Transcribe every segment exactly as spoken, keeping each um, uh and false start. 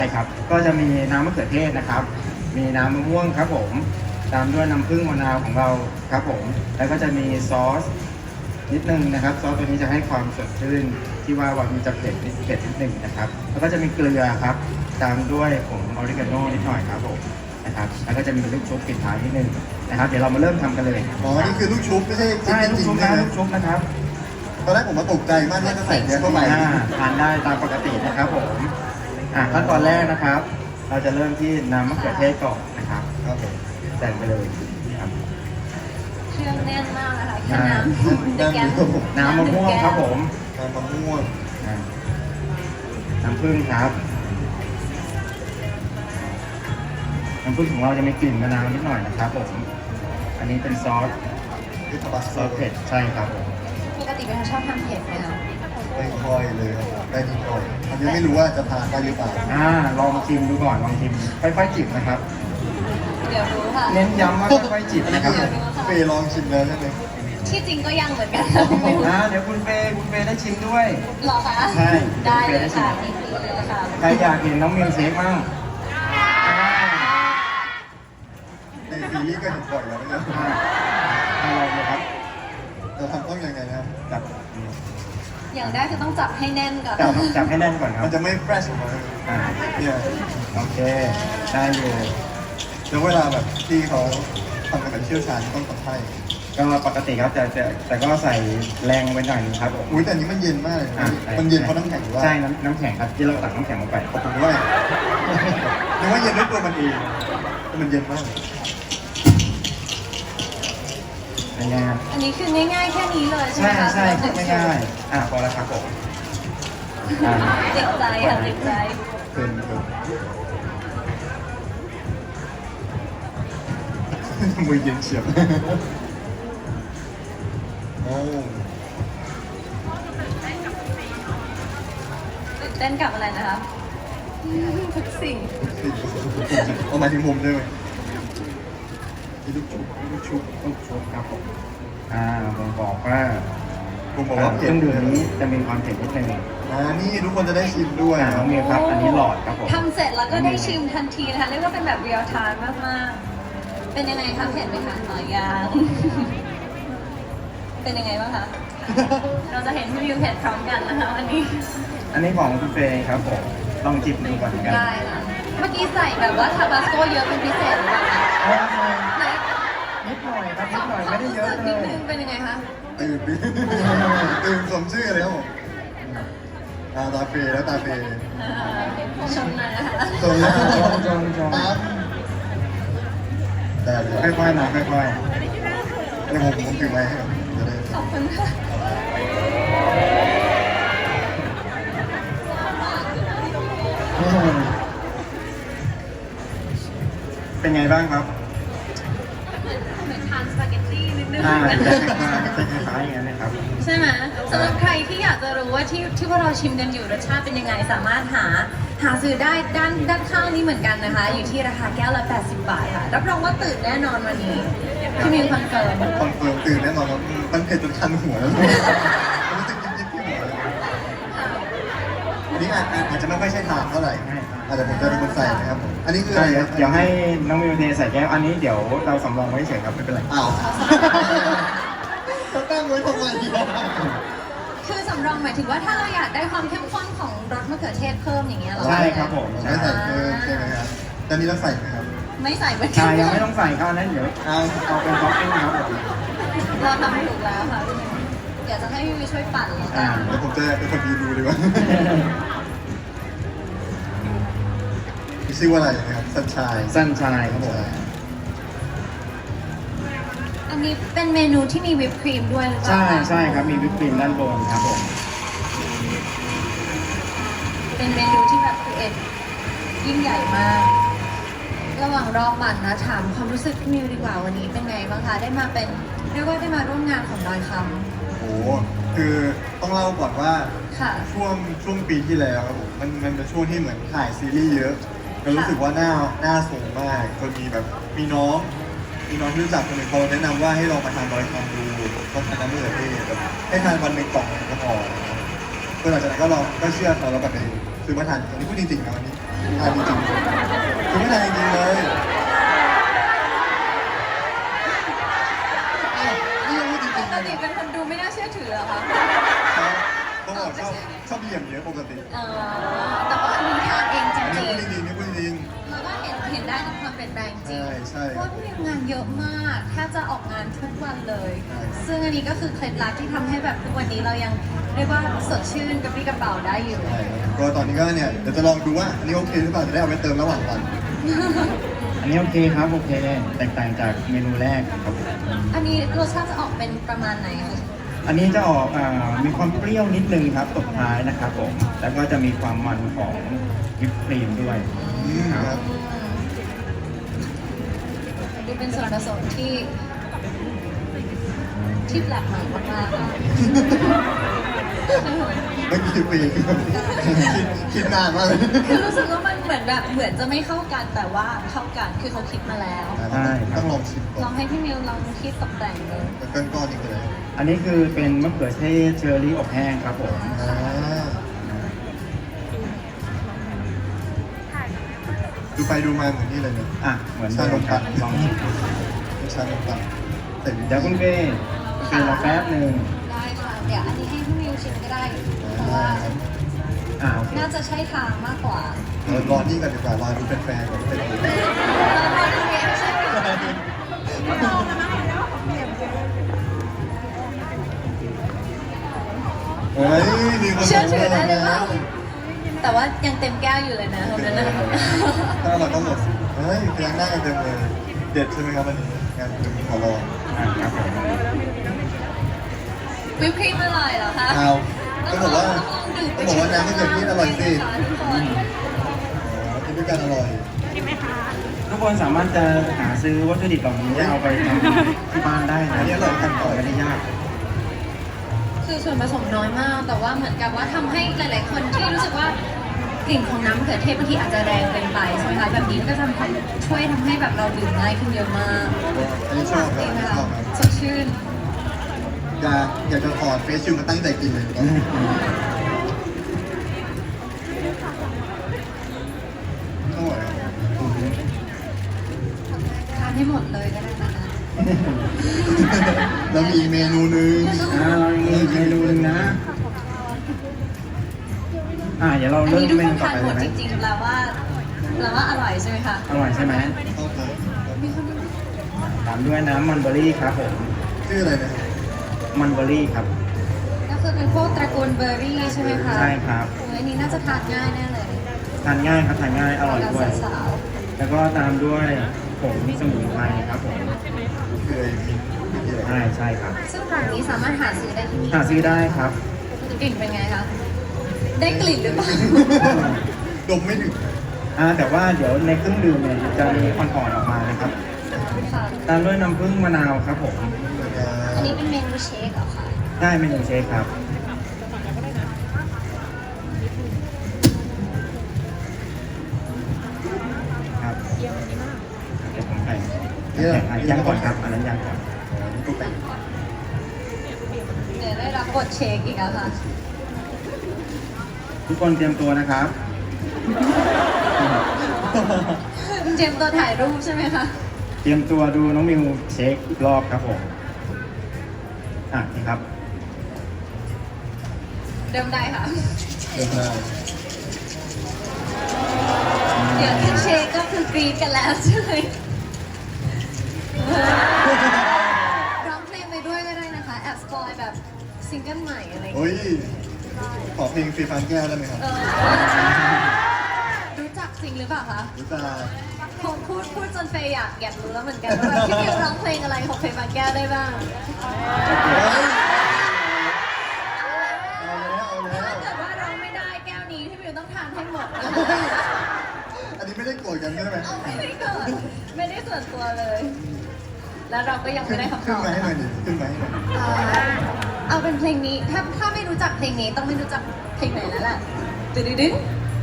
ใช่ครับก็จะมีน้ำมะเขือเทศนะครับมีน้ำมะม่วงครับผมตามด้วยน้ำผึ้งมะนาวของเราครับผมแล้วก็จะมีซอสนิดนึงนะครับซอสตัวนี้จะให้ความสดชื่นที่ว่าวันมันจะเผ็ดนิดเผ็ดนิดนึงนะครับแล้วก็จะมีเกลือครับตามด้วยผงออริกาโนนิดหน่อยครับผมนะครับแล้วก็จะมีลูกชุบปิดท้ายนิดนึงนะครับเดี๋ยวเรามาเริ่มทำกันเลยอ๋อ นี่คือลูกชุบไม่ใช่ใช่ลูกจริชุงบๆนะนะลูกชุบนะครับตอนแรกผมมาตกใจมากที่จะใส่เนื้อเข้าไปอ่าทานได้ตามปกตินะครับผมอ่าขั้นตอนแรกนะครับ เราจะเริ่มที่น้ำมะเขือเทศก่อนนะครับครับผมใส่ไปเลยครับเครื่องแน่นมากนะคะแค่อ่าน้ำในแก้วน้ำมะม่วงครับผมน้ำมะม่วงอ่าน้ำผึ้งครับ น้ำผึ้งของเราจะมีกลิ่นมะนาวนิดหน่อยนะครับผม อันนี้เป็นซอสที่ทบัสซอสเผ็ดใช่ครับผมปกติเป็นคนชอบทำเผ็ดไหมคะไม่ค่อยเลยครับได้นิดหน่อยอันนี้ไม่รู้ว่าจะทานได้หรือเปล่าอ่าลองชิมดูก่อนลองชิมค่อยๆจิบนะครับเดี๋ยวรู้ค่ะเน้นย้ำว่าค่อยๆจิบอันนี้นะครับคือเฟย์ลองชิมแล้วใช่ไหมที่จริงก็ยังเหมือนกันอ่าเดี๋ยวคุณเฟย์คุณเฟย์ได้ชิมด้วยหรอคะใช่ได้เลยค่ะนี่คือเลยค่ะใครอยากเห็นน้องมิวเชคบ้างในซีรีส์ก็เห็นบ่อยแล้วนะอ่าอะไรเลยครับเราทำต้องยังไงนะครับจับอย่างแรกคือต้องจับให้แน่นก่อนจับจับให้แน่นก่อนครัมับนจะไม่แฟรชออกมาอ่าเนี่ยโอเคได้อยู่แล้วเวลาแบบที่เขาทำกันแบบเชี่ยวชาญต้องทำให้ก็ปกติครับแต่แต่แต่ก็ใส่แรงไว้หน่อยนึงครับผมอุ้ยแต่อันนี้มันเย็นมากเลยนะอ่ามันเย็นเพราะน้ำแข็งหรือว่าใช่น้ำน้ำแข็งครับที่เราตักน้ำแข็งลงไปผมว่านึกว่าเย็นด้วยตัวมันเองแต่มันเย็นมากเป็นไงครับอันนี้คือง่ายๆแค่นี้เลยใช่ไหมใช่คะใช่ครับไม่ง่ายอ่าพอแล้วครับผมอ่าติดใจค่ะติดใจเกินเกินมือเย็นเฉียบโอ้ตื่นเต้นกับอะไรนะคะทุกสิ่งเอามาถึงมุมด้วยไหมมีลูกชุบมีลูกชุบลูกชุบครับผมอ่าผมบอกว่าผมบอกอ่าว่าเคเผ็ดรื่องดื่มนี้จะมีความเผ็ดนิดนึงอ่านี่ทุกคนจะได้ชิมด้วยอ่าน้องมิวครับ อันนี้หลอดครับผมทำเสร็จแล้วก็ได้ชิมทันทีนะคะเรียกว่าเป็นแบบเรียลไทม์มากๆ เป็นยังไงคะเผ็ดไหมคะอ๋อยังเป็นยังไงบ้างคะ เราจะเห็นพี่วิวเผ็ดพร้อมกันนะคะวันนี้อันนี้ของคุณเฟย์ครับผมลองจิบดูก่อนกันได้ค่ะ เมื่อกี้ใส่แบบว่าทาบาสโกเยอะเป็นพิเศษหรือเปล่าคะเอาไหนนิดหน่อยครับนิดหน่อยไม่ได้เยอะเลนิดยนึงเป็นยังไงคะตื่นดิตื่นสมชื่อเลยครับผมอ่าตาเฟย์แล้วตาเฟย์อ่าชมหน่อยนะคะส่วนแรกชมชมชมปั๊บได้เลยค่อยๆนะค่อยเดี๋ยวผมผมถือไว้ให้ครับจะได้ขอบคุณค่ะๆเป็นไงบ้างครับเหมือนทานสปาเกตตี้นิดนึงอ่าจะคล้ายๆอย่างนั้นนะครับใช่ไหมสำหรับใครที่อยากจะรู้ว่าที่ที่พวกเราชิมกันอยู่รสชาติเป็นยังไงสามารถหาหาซื้อได้ด้านด้านข้างนี้เหมือนกันนะคะ อยู่ที่ราคาแก้วละแปดสิบบาทค่ะ รับรองว่าตื่นแน่นอนวันนี้พี่มิวคอนเฟิร์มคอนเฟิร์มตื่นแน่นอนครับมันเผ็ดจนคันหัวแล้วมันรู้สึกยิบๆที่หัวเลยอันนี้อาจอาจจะไม่ค่อยใช่ทางเท่าไหร่อาจจะผมจะเป็นคนใส่นะครับผมอันนี้คืออะไรเดี๋ยวครับเดี๋ยวให้น้องมิวเทใส่แก้ว อันนี้เดี๋ยวเราสำรองไว้เฉยครับไม่เป็นไรอ้าวเขาตั้งไว้ทำไมอ่ะคือสำรองหมายถึงว่าถ้าเราอยากได้ความเข้มข้นของรสมะเขือเทศเพิ่มอย่างเงี้ยเหรอใช่ครับผมไม่ใส่เพิ่มใช่ไหมครับแต่นี้เราใส่ไหมครับไม่ใส่เหมือนกัใช่ยังไม่ต้องใส่ข้าวนั้นเดี๋ยวเอาเอาเป็นท็อปปิ้งครับผมเราทำถูกแล้วค่ะพี่มิวเดี๋ยวจะให้พี่มิวช่วยปั่นแล้วกัอ่านเดี๋ยวผมจะเป็นคนดีดูดีกว่ามีชื่อว่าอะไรนะครับสัญชายสั้นชายครับผมอันนี้เป็นเมนูที่มีวิปครีมด้วยหรือเปล่าใช่คะใช่ครับมีวิปครีมด้านบนครับผมเป็นเมนูที่แบบคือเอ็ดยิ่งใหญ่มาก ระหว่างรอปั่นนะถามความรู้สึกพี่มิวดีกว่าวันนี้เป็นไงบ้างคะได้มาเป็นเรียกว่าได้มาร่วมงานของดอยคโอ้โหคือต้องเล่าก่อนว่าำค่ะช่วงช่วงปีที่แล้วครับผมมันมันเป็นช่วงที่เหมือนถ่ายซีรีส์เยอะแล้วรู้สึกว่าหน้าหน้าสูงมากจนมีแบบมีน้องมีน้องที่รู้จักคนหนึ่งเขาแนะนำว่าให้ลองมาทานดอยคำดูต้องทานน้ำมะเขือเทศแบบให้ทานวันหนึ่งกล่องก็พอก็หลังจากนั้นก็ลองก็เชื่อเขาแล้วแบบไปซื้อมาทานอันนี้พูดจริงๆนะวันนี้คอ่านจริงๆคือไม่นานจริงๆเลยอ้าวนี่ยังพูดจริงปๆกเลยติเป็นคนดูไม่น่าเชื่อถือเหรอคะครับต้องบอกชอบชอบเหลี่ยมเยอะปกติเออแต่ว่าอันนี้ทานเองจอันนี้ริงพูดจริงๆนี่พูดจริงๆแล้วก็เห็นเห็นได้ถึงความเปลี่ยนแปลงจริงใช่ใช่เพราะว่าพี่มีงานเยอะมากแทบจะออกงานทุกวันเลยใช่ซึ่งอันนี้ก็คือเคล็ดลับที่ทำให้แบบทุกวันนี้เรายังเรียกว่าสดชื่นกระปรี้กระเป๋าได้อยู่ใช่ครับก็ตอนนี้ก็เนี่ยเดี๋ยวจะลองดูว่าอันนี้โอเคหรือเปล่าจะได้เอาไปเติมระหว่างวันอันนี้โอเคครับโอเค แตกต่างจากเมนูแรกครับผมอันนี้รสชาติจะออกเป็นประมาณไหนคะอันนี้จะออกอ่ามีความเปรี้ยวนิดนึงครับตบท้ายนะครับผม แล้วก็จะมีความมันของวิปครีมด้วยอืมครับอันนี้เป็นส่วนผสมที่ที่แปลกใหม่มากๆค่ะเมื่อกี้คุยกันคิดคิดนานมากเลยคือรู้สึกว่ามันเหมือนแบบเหมือนจะไม่เข้ากันแต่ว่าเข้ากันคือเขาคิดมาแล้วใช่ครับต้องลองชิมก่ลออน งให้พี่มิวลองคิดตกแต่งเลยเป็นก้อนๆนี่คืออะไรอันนี้คือเป็นมะเขือเทศเชอร์รี่อบแห้งครับผมอ่าดูไปดูมาเหมือนนี่เลยเนี่ยอ่ะเหมือนเดิมครับลองชิมเป็นชาลงปังแต่วิเดี๋ยวคุณเป้คุณเป้รอแป๊บหนึ่งได้ค่ะ เดี๋ยวอันนี้ให้พี่มิวชิมก็ได้ เพราะว่าอ่าโอเคน่าจะใช่ทางมากกว่าเรารอนี่กันดีกว่ารอดูเป็นแฟนก่อนเป็นยังไงเราพอดูเรียนใช่ไหมเฮ้ยมีคนเชื่อถือได้เลยแล้ว่าว แต่ว่ายังเต็มแก้วอยู่เลยนะคนนั้นนะถ้าเราก็หมดเฮ้ยพยักหน้ากันเต็มเลย เด็ดใช่ไหมครับวันนี้งานเป็นขอรออ่ะครับผมวิปครีมอร่อยเหรอคะเอาก็บอกว่าต้องลองดื่มก็บอกว่าน้ำมะเขือเทศอร่อยสินะคะทุกคนอ๋อกินด้วยกันอร่อยทุกคนสามารถจะหาซื้อวัตถุดิบเหล่านี้เอาไปทำที่บ้านได้นะอันนี้อร่อยขั้นตอนไม่ได้ยากคือส่วนผสมน้อยมาก แต่ว่าเหมือนกับว่าทำให้หลาย ๆ คนที่รู้สึกว่ากลิ่นของน้ำมะเขือเทศบางทีอาจจะแรงเกินไปใช่ไหมคะแบบนี้ก็ทำให้ช่วยทำให้แบบเราดื่มง่ายขึ้นเยอะมากอันนี้ชอบคจรัริบงนะชคะอบครับสดชื่นอยากอยากจะถอดเฟซชิลมาตั้งใจกินเลยตอนนี้อร่อยอะทานให้หมดเลยก็ได้นะคะแล้วมีอีกเมนูหนึงอ่าเรามีเมนูหนึ่งนะ อ่าเดี๋ยวเราอันเริ่มนี้ทุกเมคนูนต่อทานไปหมเลยไหมดจริง ๆ แปลว่าแปลว่าอร่อยใช่ไหมคะอร่อยใช่ไหมเข้าใจมีคนดูตามด้วยน้ำมันเบอร์รี่ครับผมชื่ออะไรนะมันเบอร์รี่ครับก็คือเป็นพวกตระกูลเบอร์รี่ใช่ไหมคะใช่ครับโอ้ยอันนี้น่าจะทานง่ายแน่เลยทานง่ายครับทานง่ายอร่อยด้วยสาวแล้วก็ตามด้วยผงสมุนไพรครับผมคือไอ้มินมินที่อะไรใช่ใช่ครับๆซึ่งร้านนี้สามารถหาซื้อได้ที่นี่หาซื้อได้ครับกลิ่นเป็นไงคะ ได้กลิ่นหรือเปล่าดมไม่ถึงอ่าแต่ว่าเดี๋ยวในเครื่องดื่มเนี่ยจะมีอ่อนๆออกมานะครับค่ะตามด้วยน้ำผึ้งมะนาวครับผมอันนี้เป็นเมนูเชคเหรอคะได้เมนูเชคครับ ครับเดี๋ยวผมใส่อ่ะยังก่อนครับ อันนั้นยังก่อนนี่ก็เป็นเดี๋ยวได้รับบทเชคอีกแล้วค่ะทุกคนเตรียมตัวนะครับเจมส์ตัวถ่ายรูปใช่ไหมคะเตรียมตัวดูน้องมิวเช็คอีกรอบครับผม อ่ะนี่ครับเริ่มได้ค่ะเดินได้เดี๋ยวแค่เชคก็คือกรี๊ดกันแล้วใช่ไหมร้องเพลงไปด้วยก็ได้นะคะ แอบสปอยแบบซิงเกิลใหม่อะไรอย่างโอ้เงี้ยย ขอเพลงฟรีฟันแก้วได้ไหมครับเออรู้จักซิงหรือเปล่าคะรู้จักผมพูดพูดจนเฟย์อยากอยากรู้แล้วเหมือนกันว่าแบบพี่มิวร้องเพลงอะไรของเฟย์บางแก้วได้บ้างเอาแล้วเอาแล้วถ้าเกิดว่าร้องไม่ได้แก้วนี้พี่มิวต้องทานให้หมดนะอันนี้ไม่ได้โกรธกันใช่ไหมเอาไม่ได้เกิดไม่ได้ส่วนตัวเลย แล้วเราก็ยังขึ้ไม่นได้คำตขึ้นอบมาให้หน่อยดิขึ้นมาให้หน่อยเอาเอาเป็นเพลงนี้ ถ้าถ้าไม่รู้จักเพลงนี้ต้องไม่รู้จักเพลงไหนแล้วล่ะตึ๊ดดึ๊ด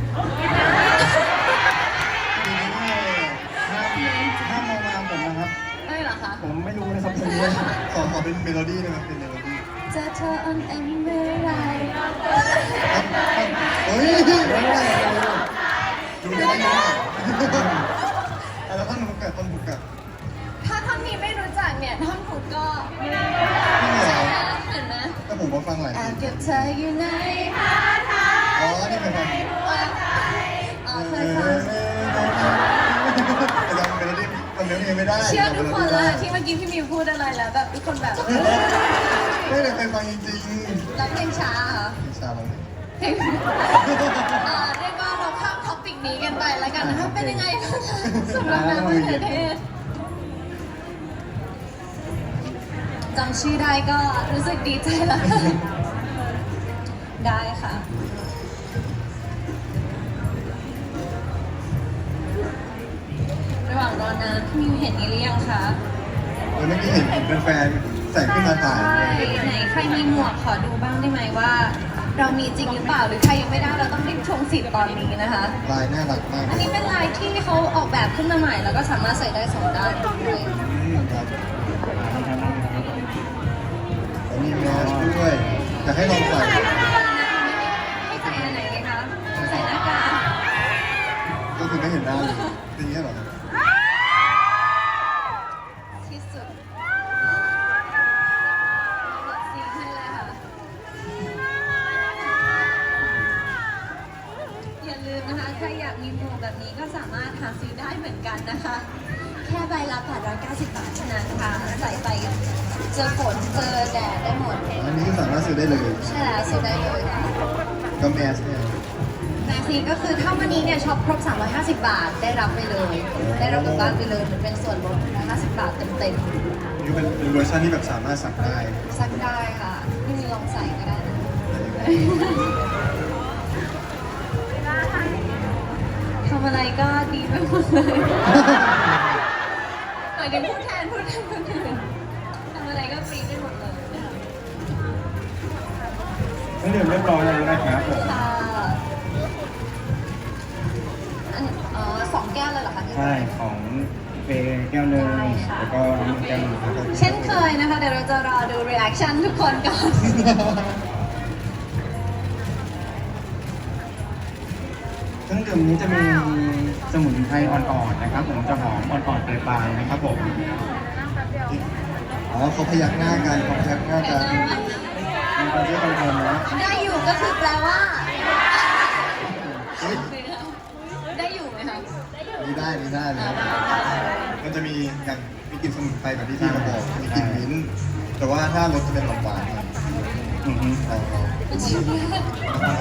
ห้ามมองมาผมนะครับไม่เหรอคะผมไม่รู้นะครับเพลงนี้ขอขอเป็นเมโลดี้ได้ไหมเป็นเมโลดี้จะเธออ่อนแอเมื่อไรเฮ้ยดูเดี๋ยวไม่ได้แล้วท่อนฮุกกับท่อนฮุกกับถ้าท่อนนี้ไม่รู้จักเนี่ยท่อนฮุกก็นี่ไงใช่ไหมเห็นไหมแต่ผมมาฟังหลายแอทีบเก็บเธออยู่ในอ๋อนี่เป็นฟังอ๋อเคยฟังแต่จำเมโลดี้จำเนื้อเพลงไม่ได้เชื่อทุกคนเลยที่เมื่อกี้พี่มิวพูดอะไรแล้วแบบทุกคนแบบไม่ได้เคยฟังจริงแล้วเพลงช้าเหรอๆชาลงเพลงอ่าเรียกว่าเราข้ามท็อปิกนี้กันไปแล้วกันนะคะเป็นยังไงบ้างคะสำหรับน้ำมะเขือเทศจำชื่อได้ก็รู้สึกดีใจแล้ว ได้ค่ะ ระหว่างรอน้ำพี่มิวเห็นนี่หรือยังคะเออเมื่อกี้เห็นเห็นเป็นแฟนใส่ขึ้นมาถ่ายใช่ไหนใครมีหมวกขอดูบ้างได้ไหมว่า เรามีจริงหรือเปล่าหรือใครยังไม่ได้เราต้องรีบชงสิทธิ์ตอนนี้นะคะลายน่ารักมากอันนี้เป็นลายที่เขาออกแบบขึ้นมาใหม่ แล้วก็สามารถใส่ได้สองด้านด้วยอืมครับแล้วมีแมสด้วยอยากให้ลองใส่ให้ใส่อันไหนดีคะ ใส่หน้ากากก็คือไม่เห็นหน้าเลยเป็นอย่างนี้เหรอที่สุดลดสีให้เลยค่ะ อย่าลืมนะคะ ใครอยากมีหมวกแบบนี้ก็สามารถหาซื้อได้เหมือนกันนะคะ แค่ใบละแปดร้อยเก้าสิบบาทเท่านั้นค่ะ ใส่ไปเจอฝนเจอแดดได้หมดอันนี้ก็สามารถซื้อได้เลยใช่แล้วซื้อได้เลยค่ะก็แมสเนี่ยแม็กซีก็คือถ้าวันนี้เนี่ยช็อปครบ สามร้อยห้าสิบบาท ได้รับไปเลย ได้รับกลับบ้านไปเลยมันเป็นส่วนลดหนึ่งร้อยห้าสิบบาทเต็มนี่เป็นเป็นเวอร์ชันที่แบบสามารถสั่งได้ๆซักได้ค่ะไม่มีลองใส่ก็ได้นะทำอะไรก็ดีไปหมดเลยหมายถึงพูดแทนพูดแทนคนอื่นทำอะไรก็ฟรีไปหมดเลยเครื่องดื่มเรียบร้อยแล้วนะครับผมค่ะอันอ๋อสองแก้วเลยเหรอคะพี่ใช่ของเฟย์แก้วหนึ่งได้ค่ะแล้วก็น้ำแก้วหนึ่งครับเช่นเคยนะคะ เดี๋ยวเราจะรอดู reaction ทุกคนก่อนเครื่องดื่มนี้จะมีสมุนไพรอ่อนๆนะครับผมจะหอมอ่อนๆปลายๆนะครับผมอ๋อเขาพยักหน้ากันเขาพยักหน้ากันมีคนที่คอนเฟิร์มนะได้อยู่ก็คือแปลว่าเฮ้ยได้อยู่ไหมคะนี่ได้นี่ได้เลยอ่าได้ได้มันจะมีอย่างมีกลิ่นสมุนไพรแบบที่พี่มาบอกมีกลิ่นมิ้นท์แต่ว่าถ้ารสจะเป็นหวานๆหน่อยอือฮึลองลองชิมได้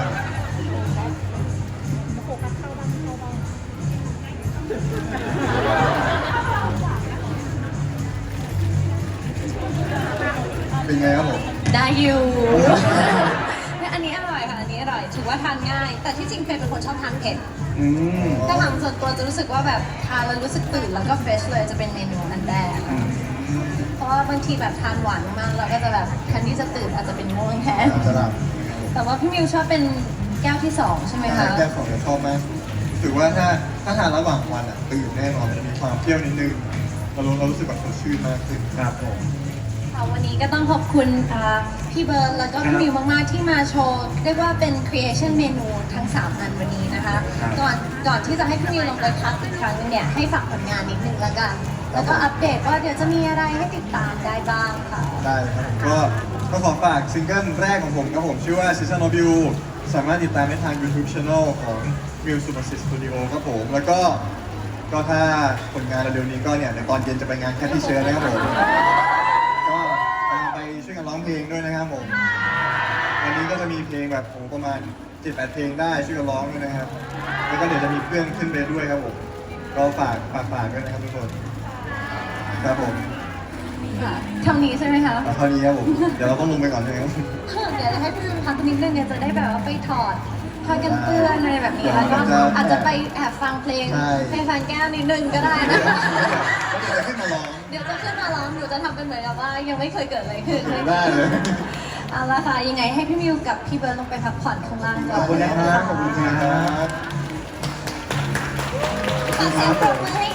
เป็นไงครับผมได้อยู่อันนี้อร่อยค่ะ อันนี้อร่อย ถือว่าทานง่าย แต่ที่จริงเฟย์เป็นคนชอบทานเผ็ดอืมถ้าถามส่วนตัวจะรู้สึกว่าแบบทานแล้วรู้สึกตื่นแล้วก็เฟรชเลยจะเป็นเมนูอันแรกอืมเพราะว่าบางทีแบบทานหวานมากๆเราก็จะแบบแทนที่จะตื่นอาจจะเป็นง่วงแทนจะหลับแต่ว่าพี่มิวชอบเป็นแก้วที่สองใช่ไหมคะแก้วของเราชอบมากถือว่าถ้าถ้าทานระหว่างวันอ่ะตื่นแน่นอนจะมีความเปรี้ยวนิดนึงเรารู้เรารู้สึกแบบสดชื่นมากขึ้นครับผมค่ะวันนี้ก็ต้องขอบคุณอ่าพี่เบิร์ดแล้วก็พี่มิวมากๆที่มาโชว์เรียกว่าเป็น creation เมนูทั้งสามอันวันนี้นะคะ ก่อนก่อนที่จะให้พี่มิวลงไปพักอีกครั้งนึงเนี่ยให้ฝากผลงานนิดนึงแล้วกัน แล้วก็อัปเดตว่าเดี๋ยวจะมีอะไรให้ติดตามได้บ้างค่ะได้เลยครับก็ก็ขอฝากซิงเกิลแรกของผมครับผมชื่อว่า Season of You สามารถติดตามได้ทาง YouTube Channel ของ Miu Superstar Studio ครับผม แล้วก็ก็ถ้าผลงานเร็วๆนี้ก็เนี่ยในตอนเย็นจะไปงานแคทที่เชิญนะครับผม ก็ตามไปช่วยกันร้องเพลงด้วยนะครับผม วันนี้ก็จะมีเพลงแบบโอ้ประมาณ เจ็ดแปด เพลงได้ช่วยกันร้องด้วยนะครับ แล้วก็เดี๋ยวจะมีเพื่อนขึ้นไปด้วยครับผม ก็ฝากฝากฝากด้วยนะครับทุกคน ครับผมค่ะเท่านี้ใช่ไหมคะเอาเท่านี้ครับผม เดี๋ยวเราต้องลงไปก่อนใช่ไหมครับเดี๋ยวจะให้พี่มิวพักนิดนึงเนี่ยจะได้แบบว่าไปถอดผ้ากันเปื้อนอะไรแบบนี้แล้วก็จะอาจจะไปแอบฟังเพลงใช่เพลงฟังแก้วนิดนึงก็ได้เดี๋นะยวคะเดี๋ยวจะขึ้นมาร้องเดี๋ยวจะขึ้นมาร้องหนูจะทำเป็นเหมือนกับว่ายังไม่เคยเกิดอะไรขึ้นได้เลยเอาละค่ะยังไงให้พี่มิวกับพี่เบิร์ดลงไปพักผ่อนข้างล่างก่ขออบนคุณนะครับ ขอบคุณครับขอเสียงปรบมือให้